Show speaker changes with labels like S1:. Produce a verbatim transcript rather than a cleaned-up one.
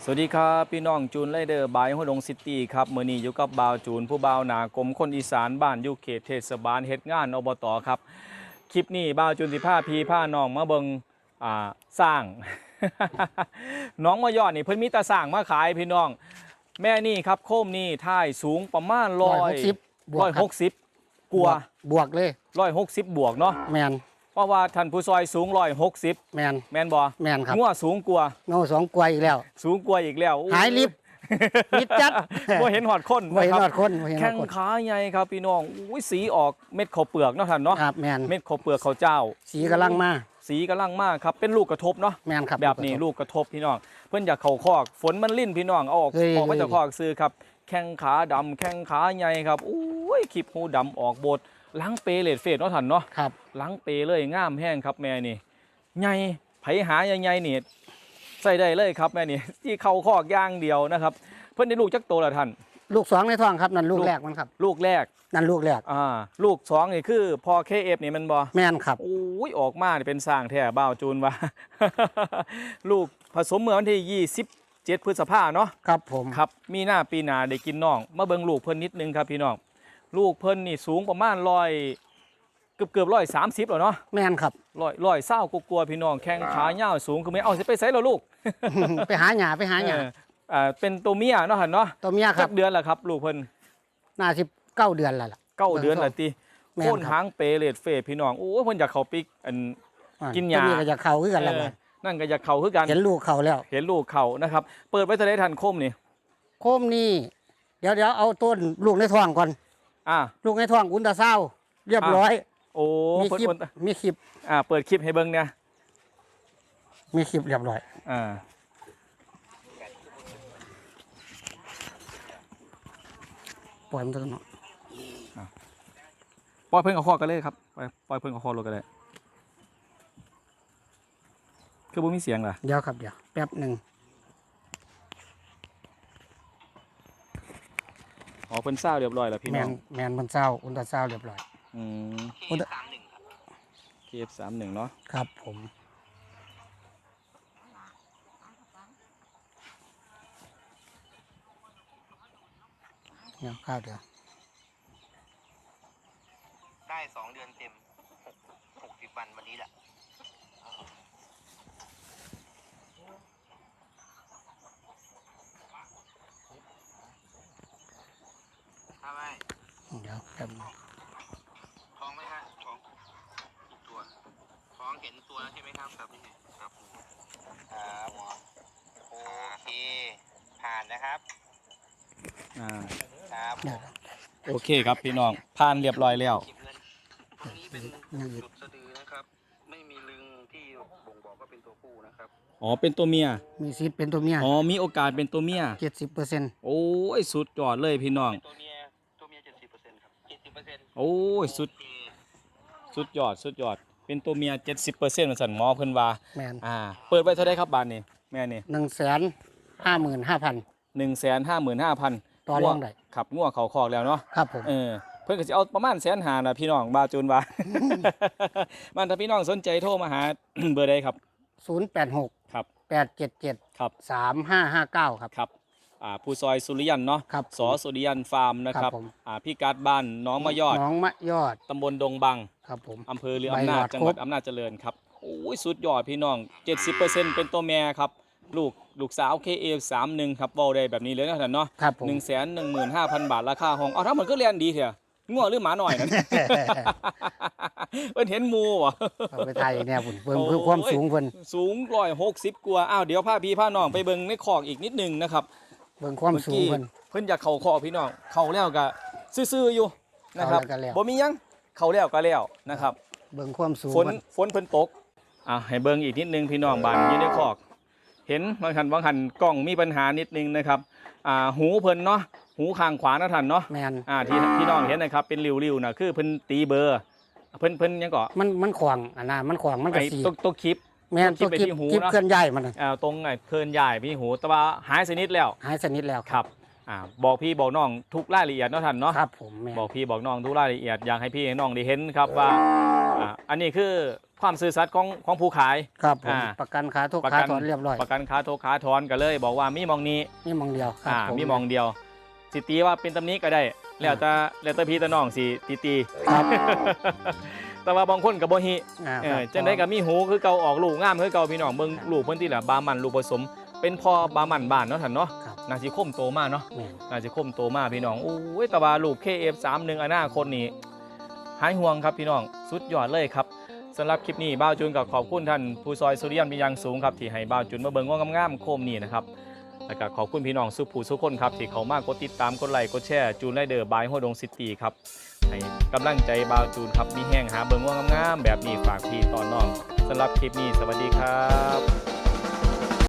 S1: สวัสดีครับพี่น้องจูนไรเดอร์บายหัวดงซิตี้ครับเมื่อนี้อยู่กับบ่าวจูนผู้บ่าวหนากรมคนอีสานบ้านอยู่เขตเทศบาลเฮ็ดงานอบตครับคลิปนี้บ่าวจูนสิพาพี่พาน้องมาเบิงอ่าสร้าง น้องมายอดนี่เพิ่นมีตาสร้างมาขายพี่น้องแม่นี่ครับโคมนี่ท่ายสูงประมาณร้อยร้อยหกสิบกว่า
S2: บวกเลย
S1: ร้อยหกสิบบวกเนาะ
S2: แมน
S1: เพราะว่าท่านผู้ซอยสูงร้อยหกสิบ
S2: แมน
S1: แมนบ่
S2: แมนครับ
S1: งัวสูงกว่า
S2: เงาสองกวยอีกแล้ว
S1: สูงกว่าอีกแล้ว
S2: หายลิฟต์มิดจัด
S1: บ่เห็นหอดคน
S2: บ่เห็นหอดคน
S1: แข้งขาใหญ่ครับพี่น้องอุ้ยสีออกเม็ดข้าวเปลือกเนาะท่านเนาะ
S2: ครับแมน
S1: เม็ดข้าวเปลือกข้าวเจ้า
S2: สีกำลังมา
S1: สีกำลังมากครับเป็นลูกกระทบเนาะ
S2: แมนครับ
S1: แบบนี้ลูกกระทบพี่น้องเพิ่นอยากเข่าคอกฝนมันลิ่นพี่น้องเอาออกออกมาจากคอกซื้อครับแข้งขาดำแข้งขาใหญ่ครับอุ้ยขีบหูดำออกโบดล้างเปเลดเฟดเนาะท่านเนาะ
S2: ครับ
S1: ล้างเปเลยงามแห้งครับแม่นี่ใหญ่ไผหาใหญ่ๆนี่ใส่ได้เลยครับแม่นี่ที่เข่าคอกย่างเดียวนะครับเพิ่นได้ลูกจักโตแล้วท่าน
S2: ลูกสองในท้องครับนั่นลูกแรกมันครับ
S1: ลูกแรก
S2: นั่นลูกแรก
S1: อ่าลูกสองนี่คือพอ เค เอฟ นี่มันบ่
S2: แม่นครับ
S1: โอ้ยออกมาเป็นสร้างแท้บ่าวจูนว่า ลูกผสมเมื่อวันที่ยี่สิบเจ็ดพฤษภาเนาะ
S2: ครับผม
S1: ครับมีหน้าปีหน้าได้กินน้องมาเบิ่งลูกเพิ่นนิดนึงครับพี่น้องลูกเพิ่นนี่สูงประมาณร้อยเกือบเกือบร้อยสามสิบแล้วเนาะ
S2: แม่นครับ
S1: ร้อยร้อยเศร้ากลัวพี่น้องแข้งขายาวสูงคือไม่เอาสิไปไสแล้วลูก
S2: ไปหาหญ้าไปหาหญ้า
S1: อ่าเป็นตัวเมียเนาะหั่นเนาะ
S2: ตัวเมียครับ
S1: เดือนละครับลูกเพิ่น
S2: น่าสิบเก้าเดือนแล้วล่ะ
S1: เก้าเดือนละติโค่นหางเปเลดเฟพี่น้องโอ้เพิ่นอยากเข้าปิกอันกินหญ้า
S2: ตัวนี้ก็จะเข้าคือกันแล้ว
S1: นั่นก็อยากเข้าคือกัน
S2: เห็นลูกเข้าแล้ว
S1: เห็นลูกเข้านะครับเปิดไว้เท่าใดทันคมนี่
S2: โคมนี่เดี๋ยวเดี๋ยวเอาต้นลูกในท้องก่อน
S1: อ่า
S2: ลูกในท้องอุลตราซาวด์เรียบร้อย
S1: โอ้
S2: มีคลิปมีคลิป
S1: อ่าเปิดคลิปให้เบิ่งเนี่ย
S2: มีคลิปเรียบร้อย
S1: อ่า
S2: ปล่อยมันตัวเนาะ
S1: ปล่อยเพิ่งเอาคอกันเลยครับปล่อยปล่อยเพิ่งเอาคอลงกันเลยคือบ่มีเสียงเหรอ
S2: เดี๋ยวครับเดี๋ยวแป๊บหนึ่ง
S1: อ๋อเพิ่นเศร้าเรียบร้อยแล้วพี่น้อง
S2: แมนแมนมันเศร้าอุลตราซาวด์เรียบร้อย
S1: อืม
S2: เค เอฟ
S1: สามสิบครับ เค เอฟ สามสิบเนาะ
S2: ครับผมเดี๋ยวข้าวเดี๋ยว
S3: ได้สองเดือนเต็มหกหกสิบวันวันนี้แหละทำไม
S2: เดี๋ยวแป๊บนึง
S3: ท้องไหมฮะท้องตัวท้องเห็นตัวใช่ไหมครับครับครับครับโอเคผ่านนะครับ
S1: อ่า
S3: ครับ
S1: โอเคครับพี่น้องผ่านเรียบร้อยแล้ว
S3: ตรงนี้เป็นจุดสะดือนะครับไม่มีลึงที่บ่งบอกว่าเป็นตัวผู้นะครับ
S1: อ๋อเป็นตัวเมีย
S2: มีสิทธิ์เป็นตัวเมีย
S1: อ๋อมีโอกาสเป็นตัวเมีย
S2: เจ็ดสิบเปอร์เซ็นต์
S1: โอ้ยสุดยอดเลยพี่น้อง
S3: ตัวเมียตัวเมียเจ็ดสิบเปอร์เซ็นต์ครับเจ็ดสิบเปอร์เซ็นต์
S1: โอ้ยสุดสุดยอดสุดยอดเป็นตัวเมียเจ็ดสิบเปอร์เซ็นต์มันสั่นหมอเพิ่นว่า
S2: แมน
S1: อ่าเปิดไว้เท่าไรครับบาทนี่แม่นี่
S2: หนึ่งแสนห้าหมื่นห้าพัน
S1: หนึ่งแสนห้าหมื่นห้าพัน
S2: ต่อรองได้
S1: ขับงัวเขาคอกแล้วเนาะ
S2: ครับผม
S1: เออเพิ่นก็จะเอาประมาณแสนหานะพี่น้องบาจูนว่ามันถ้าพี่น้องสนใจโทรมาหา เบอร์ใดครับ
S2: ศูนย์แปดหก
S1: ครับ
S2: แปดเจ็ดเจ็ด
S1: ครับ
S2: สามห้าห้าเก้าครับ
S1: ครับอ่าผู้ซอยสุริยันเนาะ
S2: ครับ
S1: สอสุริยันฟาร์มนะครับอ่าพี่การ์ดบ้านน้องมะยอด
S2: น้องมะยอด
S1: ตำบลดงบัง
S2: ครับผม
S1: อำเภอหรืออำนาจจังหวัดอำนาจเจริญครับโอ้ยสุดยอดพี่น้อง เจ็ดสิบเปอร์เซ็นต์ เป็นตัวแม่ครับลูกลูกสาว เค เอฟ สามสิบครับเว้าได้แบบนี้เลยนะท่านเนาะ หนึ่งแสนหนึ่งหมื่นห้าพัน บาทราคาห้องเอาถ้ามันก็เรียนดีเถอะงัวหรือหมาหน่อยนั่น เพิ่นเห็นหมู่บ่
S2: เอาไปไทยเนี่ยพุ่นเพิ่มเพิ่มความสูงเพิ่น
S1: สูงหนึ่งร้อยหกสิบกว่าอ้าวเดี๋ยวพาพี่พาน้องไปเบิ่งในคอกอีกนิดนึงนะครับ
S2: เบิ่งความสูงเพิ่น
S1: เพิ่นอยากเข้าคอกพี่น้องเข้าแล้วก็ซื่อๆอยู่นะครับบ่มีหยังเข้าแล้วก็แล้วนะครับ
S2: เบิ่งความสูง
S1: ฝนฝนเพิ่นตกอ่ะให้เบิ่งอีกนิดนึงพี่น้องบ้านอยู่ในคอกเห็นบางคันบางคันกล้องมีปัญหานิดนึงนะครับอ่าหูเพิ่นเนาะหูข้างขวานะท่านเนาะ
S2: แม่น
S1: อ่าที่พี่น้องเห็นนะครับเป็นริ้วๆน่ะคือเพิ่นตีเบอร์เพิ่นเพิ่นยังก็
S2: มันมันขวางอันน่ะมันขวางมันก็สี
S1: ตกตกคลิป
S2: แม่นตกคลิปคลิปเคลื่อนย้ายมัน
S1: อ่าตรงไอ้เคลื่อนย้ายพี่หูแต่ว่าหายสนิทแล้ว
S2: หายสนิทแล้ว
S1: ครับอ่าบอกพี่บอกน้องทุกรายละเอียดเนาะท่านเนาะ
S2: ครับผม
S1: บอกพี่บอกน้องทุกรายละเอียดอยากให้พี่ให้น้องได้เห็นครับว่าอ่าอันนี้คือควความซื่อสัตย์ของของผู้ขาย
S2: ครับผม
S1: อ่า
S2: ประกันขาทุก
S1: ประ
S2: ขา
S1: กัน
S2: ถอนเรียบร้อย
S1: ประกันขาโทรขาถอนก็เลย บอกว่ามีหมองนี้
S2: นี่มองเดียวครับ
S1: อ่า
S2: ผ
S1: มีหมองเดียวสิตีว่าเป็นตำหนี้ก็ได้ แล้วแต่แล้วแต่พี่ตะน้องสิตีตี
S2: ครับ
S1: แต่ว่าบางคนก็บ่ฮิ
S2: อ่า
S1: เอ
S2: ครั
S1: อบ จังได๋ก็มีหูคือเก่าออกลูกงามคือเก่าพี่น้องเบิ่งลูกเพิ่นที่ละบามันลูกผสม เป็นพ่อบามันบ้านเนาะท่านเนาะ
S2: ครับ
S1: น่าสิคมโตมากเนาะ
S2: แม่น
S1: น่าจะคมโตมากพี่น้องโอ้ยแต่ว่าลูก เค เอฟ สามสิบเอ็ด อนาคตนี่หายห่วงครับพี่น้องสุดยอดเลยครับสำหรับคลิปนี้บ่าวจูนก็ขอบคุณท่านผู้ซอยสุริยันเป็นอย่างสูงครับที่ให้บ่าวจูนมาเบิ่งว่างามๆโคมนี่นะครับแล้วก็ขอบคุณพี่น้องสุผู้สุคนครับที่เขามากดติดตามกดไลค์กดแชร์จูนไรเดอร์บายห้วยดงซิตี้ครับให้กำลังใจบ่าวจูนครับมีแห้งหาเบิ่งว่างามๆแบบนี้ฝากพี่ตอนน้องสำหรับคลิปนี้สวัสดีครับ